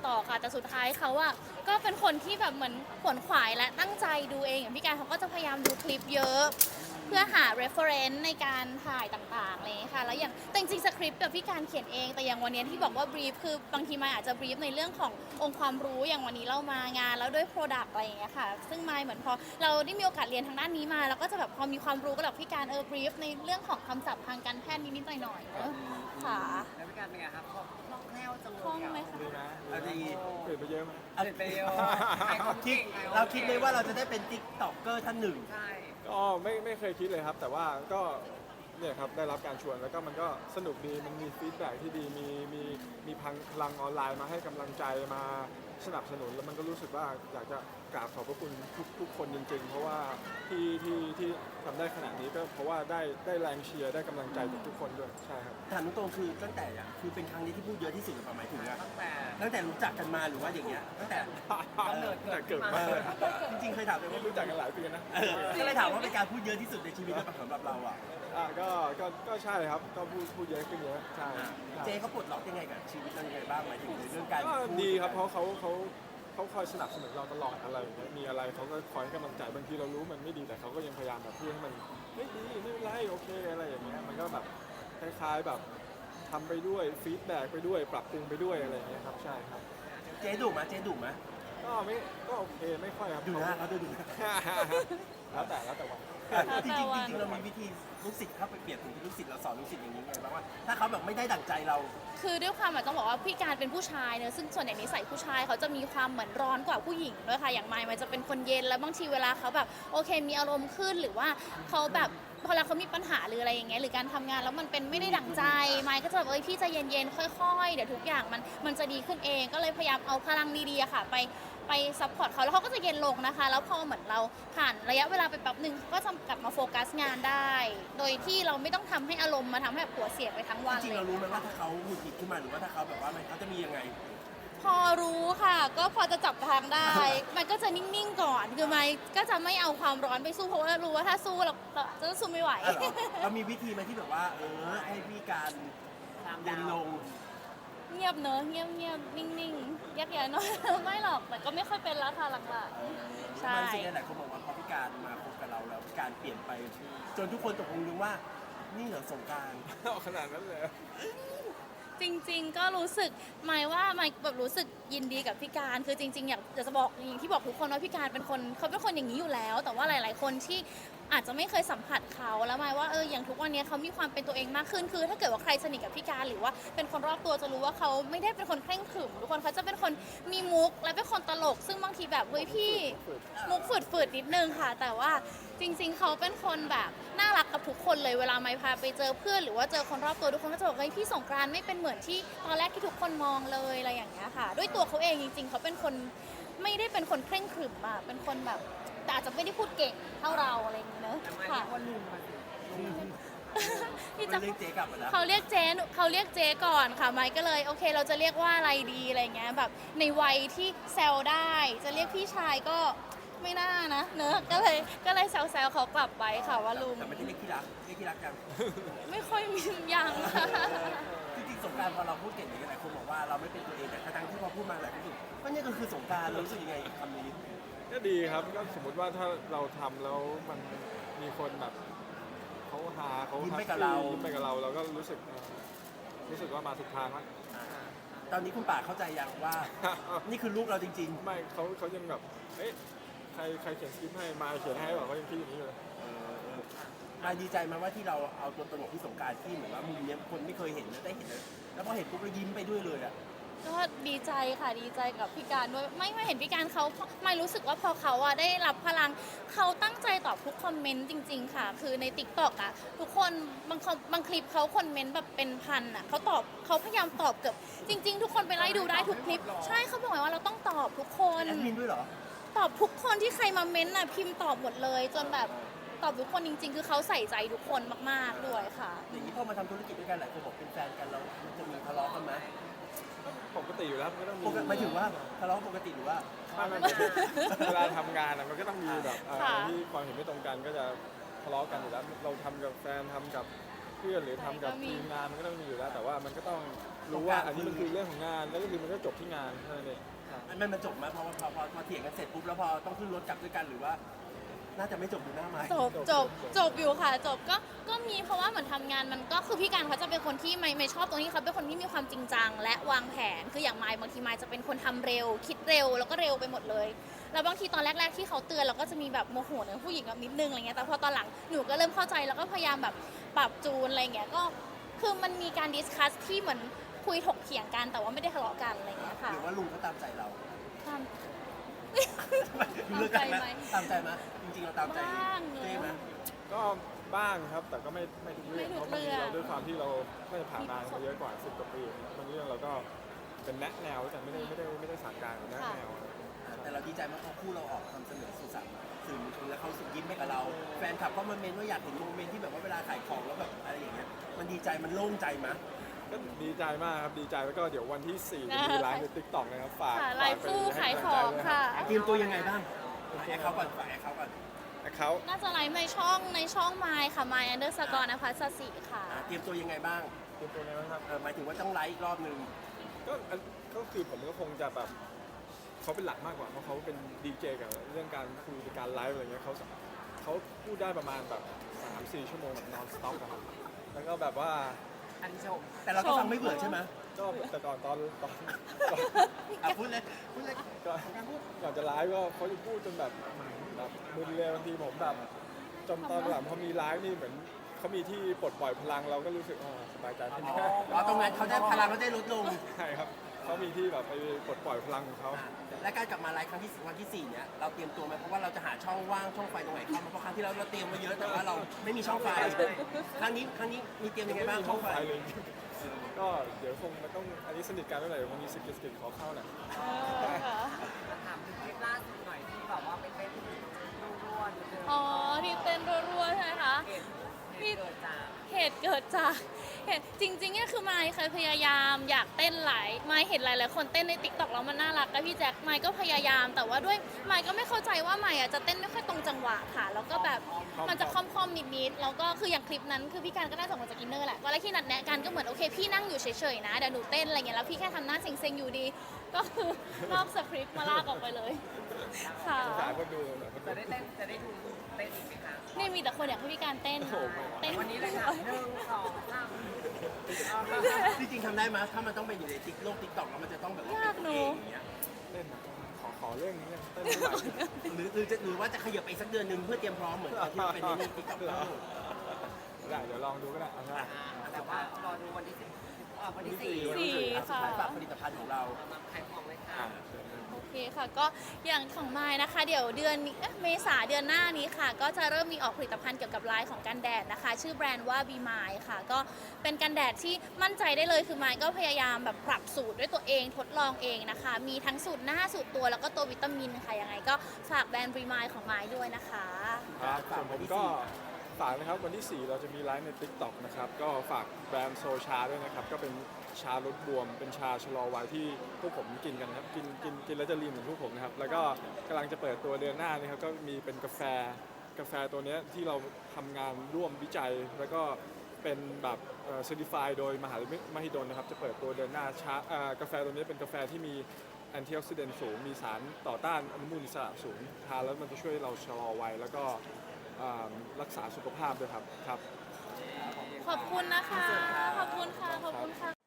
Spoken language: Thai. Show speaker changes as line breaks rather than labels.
ต่อค่ะแต่สุดท้ายเขาอะก็เป็นคนที่แบบเหมือนขวนขวายและตั้งใจดูเองอย่างพี่การเขาก็จะพยายามดูคลิปเยอะเพื่อหา reference ในการถ่ายต่างๆอะไรอย่างเลยค่ะแล้วอย่างแต่จริงๆสคริปต์กับพี่การเขียนเองแต่อย่างวันนี้ที่บอกว่า brief คือบางทีมายอาจจะ brief ในเรื่องขององค์ความรู้อย่างวันนี้เรามางานแล้วด้วย product อะไรอย่างเงี้ยค่ะซึ่งมายเหมือนพอเราได้มีโอกาสเรียนทางด้านนี้มาเราก็จะแบบพอมีความรู้ก็แบบพี่การbrief ในเรื่องของคำศัพท์ทางการแพทย์นิดๆหน่อยๆเนอะค่ะ
แล้วพี่การเป็นไงครับคล่องแคล่วจังเลย
คล่องไหมคะ
ดีนะ
เอาดี
เปลี่ยนไปเยอะไหม
เปลี่ยนไปเยอะขายของเก่งขายของ
เราคิดเลยว่าเราจะได้เป็นติ๊กต็อกเกอร์ท่านหนึ่ง
ใช่
ก็ไม่เคยคิดเลยครับ แต่ว่าก็เนี่ยครับได้รับการชวนแล้วก็มันก็สนุกดีมันมีฟีดแบ็กที่ดีมีพลังออนไลน์มาให้กำลังใจมาสนับสนุนแล้วมันก็รู้สึกว่าอยากจะกราบขอบพระคุณทุกคนจริงๆ เพราะว่าที่ทำได้ขนาดนี้ก็เพราะว่าได้แรงเชียร์ได้กำลังใจจากทุกคนด้วยใช่ครับ
ถามตรงๆคือตั้งแต่อะคือเป็นครั้งนี้ที่พูดเยอะที่สุดหรือเปล่าหมายถึงอะ
ตั้งแต่
ตั้งแต่รู้จักกันมาหรือว่าอย่างเงี้ยตั้งแต่
กำเนิด
แต่เกิดมาเลย
จริงๆเคยถามไปว่า
รู้จักกันหลายปีนะ
ก็เลยถามว่าเป็นการพูดเยอะที่สุดในชีวิตหรือเปล่าสำหรับเราอ่ะ
ก็ใช่ครับก็พูดเยอะขึ้นเยอะใช่
เจเขาปลดล็อกยังไงกับชีวิตเรายังไงบ้างหมายถึงในเรื่องการ
ก็
พู
ดีครับเพราะเขาคอยสนับสนุนเราตลอดอะไรอย่างเงี้ยมีอะไรเขาก็คอยให้กำลังใจบางทีเรารู้มันไม่ดีแต่เขาก็ยังพยายามแบบพูดให้มันไม่ดีไม่เป็นไรโอเคอะไรอย่างเงี้ยมันก็แบบคล้ายๆแบบทำไปด้วยฟีดแบ็กไปด้วยปรับปรุงไปด้วยอะไรอย่างเงี้ยครับใช่ครับ
เจดุไหมเจดุไหม
ก็โอเคไม่ค่อยครับ
ดูหน้าเขาดูหน้า
แล้วแต่วัน
จริงๆจริงๆเรามีวิธีลูกศิษย์เข้าไปเปรียบถึงลูกศิษย์เราสอนลูกศิษย์อย่างนี้ไงบ้างว่าถ้าเขาแบบไม่ได้ดั่งใจเรา
คือด้วยความต้องบอกว่าพี่การเป็นผู้ชายเนอะซึ่งส่วนใหญ่นิสัยผู้ชายเขาจะมีความเหมือนร้อนกว่าผู้หญิงด้วยค่ะอย่างไมค์มันจะเป็นคนเย็นแล้วบางทีเวลาเขาแบบโอเคมีอารมณ์ขึ้นหรือว่าเขาแบบพอเวลาเขามีปัญหาหรืออะไรอย่างเงี้ยหรือการทำงานแล้วมันเป็นไม่ได้ดั่งใจไมค์ก็จะแบบพี่ใจเย็นๆค่อยๆเดี๋ยวทุกอย่างมันจะดีขึ้นเองก็เลยพยายามเอาพลังดีๆอะค่ะไปซัพพอร์ตเขาแล้วเขาก็จะเย็นลงนะคะแล้วพอเหมือนเราผ่านระยะเวลาไปแป๊บหนึ่งเขาก็จะกลับมาโฟกัสงานได้ โดยที่เราไม่ต้องทำให้อารมณ์มาทำให้แบบหัวเสียไปทั้งวัน
จริง
เล
ๆเรา
ย
รู้ไหมว่าถ้าเขาหงุดหงิดขึ้นมาหรือว่าถ้าเขาแบบว่าเขาจะมียังไง
พอรู้ค่ะ ก็พอจะจับทางได้ มันก็จะนิ่งๆก่อนคือไม่ก็จะไม่เอาความร้อนไปสู้เพราะว่ารู้ว่าถ้าสู้เราจะสู้ไม่ไหว
อ่ะเหรอเรามีวิธีไหมที่แบบว่าให้พี่การเย็นลง
เงียบเนอะเงียบเงียบนิ่งๆยักย้ายน้อย ไม่หรอกแต่ก็ไม่ค่อยเป็นแล้วค่ะหลังๆใช่
มันสิ่งหลายคนบอกว่าพอพี่การมาคบกับเราแล้วพี่การเปลี่ยนไป จนทุกคนตกลงรู้ว่านี่เหรอสงกราร
เอาขนาดนั้นเลย
จริงๆ ก็รู้สึกหมายว่าหมายแบบรู้สึกยินดีกับพี่การคือจริงๆอยากจะบอกอย่างที่บอกทุกคนว่าพี่การเป็นคนเขาเป็นคนอย่างนี้อยู่แล้ว แต่ว่าหลายๆ คนที่อาจจะไม่เคยสัมผัสเขาแล้วหมายว่าอย่างทุกวันนี้เขามีความเป็นตัวเองมากขึ้นคือถ้าเกิดว่าใครสนิทกับพี่การหรือว่าเป็นคนรอบตัวจะรู้ว่าเขาไม่ได้เป็นคนเคร่งขรึมทุกคนเขาจะเป็นคนมีมุกและเป็นคนตลก ซึ่งบางทีแบบเฮ้ยพี่มุกฝืดๆนิดนึงค่ะ แต่ว่าจริงๆ เขาเป็นคนแบบน่ารักกับทุกคนเลยเวลาไม่พาไปเจอเพื่อนหรือว่าเจอคนรอบตัวทุกคนก็จะบอกเฮ้ยพี่สงกรานต์ไม่เป็นเหมือนที่ตอนแรกที่ทุกคนมองเลยอะไรอย่างเงี้ยค่ะ ด้วยตัวเขาเองจริงๆ เขาเป็นคนไม่ได้เป็นคนเคร่งขรึมอะเป็นคนแบบแต่อาจจะไม่ได้พูดเก่งเท่าเราอะไรอย่างเงี้ยเนอะ
แต่มา
ค่ะ
ที่คนลุงมาสิ
ที่
มั
จะ
นเรียกเจ๊กลับมาแล้ว
เขาเรียกเจ๊ก่อนค่ะไมค์ก็เลยโอเคเราจะเรียกว่าอะไรดีอะไรเงี้ยแบบในวัยที่แซวได้จะเรียกพี่ชายก็ไม่น่านะเนอะก็เลยแซวเขากลับไปค่ะว่าลุง
แต่ไม่ได้เรียกที่รักเรียกที่รักกัน
ไม่ค่อยมียังค่ะ
จริงๆสงกรารพอเราพูดเก่งอย่างนี้หลายคนบอกว่าเราไม่เป็นตัวเองแต่ทั้งที่พอพูดมาหลายคนรู้สึกว่านี่ก็คือสงกรารเรารู้สึกยังไงกับคำนี้
ก็ดีครับก็สมมติว่าถ้าเราทำแล้วมันมีคนแบบเขาหาเขา
ยิ้ม
แฮ
ไป
ป
กับ
ปี้
เรา
ยิ้มไปกับเราเราก็รู้สึกว่ามาถูกทางแล้ว
ตอนนี้คุณป่าเข้าใจยังว่า นี่คือลูกเราจริง
ไม่เขายังแบบเอ๊ะใครเขียนสคริปต์ให้มาเขียนให้แบบเขายังคิดอย่างนี้เลย
ๆมาดีใจไหมาว่าที่เราเอาตัวตลกที่สงกรารที่เหมือนว่ามุมเนี้ยคนไม่เคยเห็นแล้วได้เห็นแล้วพอเห็นปุ๊บเรายิ้มไปด้วยเลยอ่ะ
ก็ดีใจค่ะดีใจกับพี่การด้วยไม่เห็นพี่การเขาไม่รู้สึกว่าพอเขาอะได้รับพลังเขาตั้งใจตอบทุกคอมเมนต์จริงๆค่ะคือใน TikTok อะทุกคนบางคลิปเขาคอมเมนต์แบบเป็นพันอะเขาพยายามตอบเกือบจริงๆทุกคนไปไล่ดูได้ทุกคลิปใช่เขาบอกว่าเราต้องตอบทุกคน
แอดมินด้วยเหรอ
ตอบทุกคนที่ใครมาเม้นต์อะพิมพ์ตอบหมดเลย จนแบบตอบทุกคนจริง ๆ คือเขาใส่ใจทุกคนมากๆด้วยค่ะ
อย่างนี้พอมาทำธุรกิจด้วยกันหลายคนบอกเป็นแฟนกันเรามันจะมีทะเลาะกันไหม
ปกติอยู่แล้วมันก็ต้องมี
หมายถึงว่าทะเลาะปกติหรือว่า
ไม่เวลาทำงานอะมันก็ต้องมีแบบ
ค่ะ
ที่ความเห็นไม่ตรงกันก็จะทะเลาะกันอยู่แล้วเราทำกับแฟนทำกับเพื่อนหรือทำกับทีมงานมันก็ต้องมีอยู่แล้ว แต่ว่ามันก็ต้องรู้ว่าอันนี้มันคือเรื่องของงานแล้วก็คือมันก็จบที่งานเท่านั้นเองครับ
มันจบไหมเพราะว่าพอเถียงกันเสร็จปุ๊บแล้วพอต้องขึ้นรถกลับด้วยกันหรือว่า น่าจะไม่จบดูหน้าไม้
จบอยู่ค่ะจบก็มีเพราะว่าเหมือนทำงานมันก็คือพี่การเขาจะเป็นคนที่ไม่ชอบตรงที่เขาเป็นคนที่มีความจริงจังและวางแผนคืออย่างไมค์บางทีไมค์จะเป็นคนทำเร็ว คิดเร็วแล้วก็เร็วไปหมดเลยแล้วบางทีตอนแรกๆที่เขาเตือนเราก็จะมีแบบโมโหในผู้หญิงแบบนิดนึงอะไรเงี้ยแต่พอตอนหลังหนูก็เริ่มเข้าใจแล้วก็พยายามแบบปรับจูนอะไรเงี้ยก็คือมันมีการดิสคัสที่เหมือนคุยถกเถียงกันแต่ว่าไม่ได้ทะเลาะกันอะไรเงี้ยค่ะ
หรือว่าลุงเขาตามใจเรา
ตาม
เลือกกันไหมตามใจไหมจริงๆเราตามใจ
บ้างเนอะ
เจ๊ไหม
ก็บ้างครับแต่ก็ไม่ทุกเรื่อง
ไม่ทุ
เพ
ก
ราะบางที
เรื่อง
เราด้วยความที่เราไม่ได้ผ่านงานมาเยอะกว่า10 กว่าปีบางเรื่องเราก็เป็นแนะแนวแต่ไม่ได้สั่งการแนะแนว
แต่เราดีใจมากเพราะคู่เราออกทำเสนอสื่อสารสื่อมวลชนแล้วเขารู้สึกยิ้มให้กับเรา แฟนคลับก็มาเมนว่าอยากเห็นโมเมนต์ที่แบบว่าเวลาขายของแล้วแบบอะไรอย่างเงี้ยมันดีใจมันโล่งใจมั้ย
ก็ดีใจมากครับดีใจแล้วก็เดี๋ยววันที่4จะมีไลฟ์ใน TikTok นะครับฝาก
ค่ะไลฟ์คู่
ไป
ขาย
ให้
ข
กำ
อ
ลั
ง
ใจด้วย
ค่ะ
เตรียมตัวยังไงบ้างฝากแอคเขาก่อนฝากแอคเขาก่อน
เขา
น่าจะไลฟ์ในช่องไมค์ค่ะ My Underscore นภัสสิค่ะ
เตรียมตัวยังไงบ้าง
เตรียมตัวไงบ้างครับ
หมายถึงว่าต้องไลฟ์อีกรอบนึง
ก็คือผมก็คงจะแบบเขาเป็นหลักมากกว่าเพราะเขาเป็นดีเจกับเรื่องการคุยการไลฟ์อะไรเงี้ยเขาพูดได้ประมาณแบบ3-4 ชั่วโมงแบบนอนสต็อปครับแล้วก็แบบว่า
อันชม
แต่เราก็ฟังไม่เบื่อใช่ไหม
ก็แต่ก่อนตอน
พูดเลย
ก่อนจะไลฟ์ก็เขาจะพูดจนแบบมึนเลยบางทีผมแบบจนตอนหลังพอมีไลฟ์นี่เหมือนเขามีที่ปลดปล่อยพลังเราก็รู้สึกสบายใจขึ้น
อ๋อตรงนั้นเขาได้พลังเขาได้ลดลง
ใช่ครับเขามีที่แบบไปปลดปล่อยพลังของเขา
และการกลับมาไลฟ์ครั้งที่วันที่4เนี่ยเราเตรียมตัวไหมเพราะว่าเราจะหาช่องว่างช่องไฟตรงไหนเข้ามาเพราะครั้งที่แล้วเราเตรียมมาเยอะแต่ว่าเราไม่มีช่องไฟครั้งนี้มีเตรียมยังไงบ้างช่องไฟ
เลยก็เดี๋ยวคงมันต้องอันนี้สนิทกันเมื่อไหร่เดี๋ยวคงมีสกิลขอเข้าหน่อย
มาถามถึงคลิปล่าสุดหน่อยที่แบบว่าไปเต้นรัวๆนิดนึง
อ๋อที่เต้นรัวๆใช่ไหมคะ
เหตุเกิดจาก
เหตุเกิดจากจริงๆเนี่ยคือไมค์เคยพยายามอยากเต้นไมค์เห็นหลายๆคนเต้นในติ๊กต็อกแล้วมันน่ารักกับพี่แจ็คไมค์ก็พยายามแต่ว่าด้วยไมค์ก็ไม่เข้าใจว่าไมค์จะเต้นไม่ค่อยตรงจังหวะค่ะแล้วก็แบบมันจะค่อมๆนิดๆแล้วก็คืออย่างคลิปนั้นคือพี่การก็น่าจะมาจากอินเนอร์แหละตอนแรกที่นัดแนะกันก็เหมือนโอเคพี่นั่งอยู่เฉยๆนะเดี๋ยวหนูเต้นอะไรเงี้ยแล้วพี่แค่ทำหน้าเซ็งๆอยู่ดี ก็คือนอกสคริปต์มาลากออกไปเลยค่ะ
สายคนดูแบบคน
จะ
ดู
ได้ดูเต้นอีกไหมคะ
นี่มีแต่คนอยากให้พี่การเต้น
โอ้โห
เต้น
วันนี้เลยค่ะ1 2 3
จริงๆทำได้ไหมถ้ามันต้องไปอยู่ในโลกติ๊กต็อกแล้วมันจะต้องแบบว่าเป็นตัวเองอย่างเงี้ย
เต้นขอเรื่องนี้เต้นไม่ไหว
หรือว่าจะขยับไปอีกสักเดือนหนึ่งเพื่อเตรียมพร้อมเหมือนตอนที่เป็นในติ๊กต็อก
ได้เดี๋ยวลองดูก็ได้เอาง่าย
แต่ว่ารอดูวันที่10วันที่4
สี่
สุดท้ายฝากผลิตภัณฑ์ของเรา
มาขายของเลยค่ะ
โอเคค่ะก็อย่างของไม้นะคะเดี๋ยวเดือนนี้เมษาเดือนหน้านี้ค่ะ ก็จะเริ่มมีออกผลิตภัณฑ์เกี่ยวกับลายของกันแดดนะคะ ชื่อแบรนด์ว่า Be Mine ค่ะ ก็เป็นกันแดดที่มั่นใจได้เลยคือไม้ก็พยายามแบบปรับสูตรด้วยตัวเองทดลองเองนะคะ มีทั้งสูตรหน้าสูตรตัวแล้วก็ตัววิตามินค่ะยังไงก็ฝากแบรนด์ Be Mine ของไม้ด้วยนะคะ
ครับส่วนผมก็ฝากนะครับวันที่ 4 เราจะมีไลฟ์ใน TikTok นะครับก็ฝากแบรนด์โซชาด้วยนะครับก็เป็นชาลดบวมเป็นชาชะลอวัยที่พวกผมกินกันนะครับกินแล้วจะลีนเหมือนพวกผมนะครับแล้วก็กำลังจะเปิดตัวเดือนหน้านี่ครับก็มีเป็นกาแฟตัวเนี้ยที่เราทำงานร่วมวิจัย แล้วก็เป็นแบบเซอร์ติฟายโดยมหาวิทยาลัยมหิดลนะครับจะเปิดตัวเดือนหน้ากาแฟตัวนี้เป็นกาแฟที่มีแอนตี้ออกซิเดนต์สูงมีสารต่อต้านอนุมูลอิสระสูงทานแล้วมันจะช่วยเราชะลอวัยแล้วก็รักษาสุขภาพด้วยครับ
ขอบคุณนะคะ ขอบคุณค่ะ ขอบคุณค่ะ